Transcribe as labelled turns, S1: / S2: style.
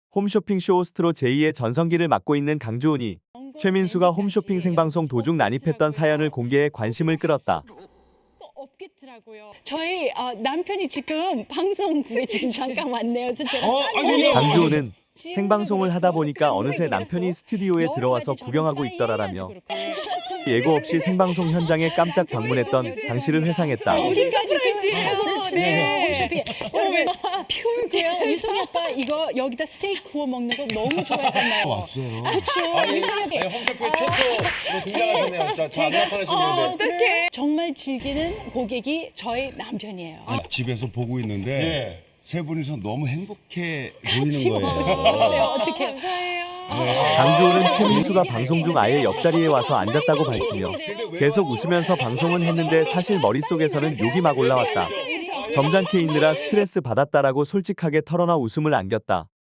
S1: 홈쇼핑 쇼호스트로 제2의 전성기를 맡고 있는 강주훈이 최민수가 홈쇼핑 생방송 도중 난입했던 사연을 공개해 관심을 끌었다.
S2: 없겠더라고요. 저희 남편이 지금 방송국에 지금 잠깐 왔네요. 그래서 제가
S1: 강주훈은 생방송을 하다 보니까 어느새 남편이 스튜디오에 들어와서 구경하고 있더라라며 예고 없이 생방송 현장에 깜짝 방문했던 당시를 회상했다.
S2: 우리까지 지금 사고를 치네요. 홈쇼핑. 여러분, 퓨어제요. 이승희 오빠 이거 여기다 스테이크 구워 먹는 거 너무 좋아하잖아요.
S3: 왔어요.
S2: 그렇죠. 이승희 오빠.
S4: 홈쇼핑 최초로 등장하셨네요. 저안 나타나셨는데.
S2: 어떻게 정말 즐기는 고객이 저희 남편이에요.
S3: 집에서 보고 있는데
S4: 네.
S3: 세 분이서 너무 행복해
S2: 같이
S3: 보이는
S2: 먹고
S3: 거예요.
S2: 싶었어요. 어떻게?
S1: 강주훈은 최민수가 방송 중 아예 옆자리에 와서 앉았다고 밝히며 계속 웃으면서 방송은 했는데 사실 머릿속에서는 욕이 막 올라왔다. 점잖게 있느라 스트레스 받았다라고 솔직하게 털어놔 웃음을 안겼다.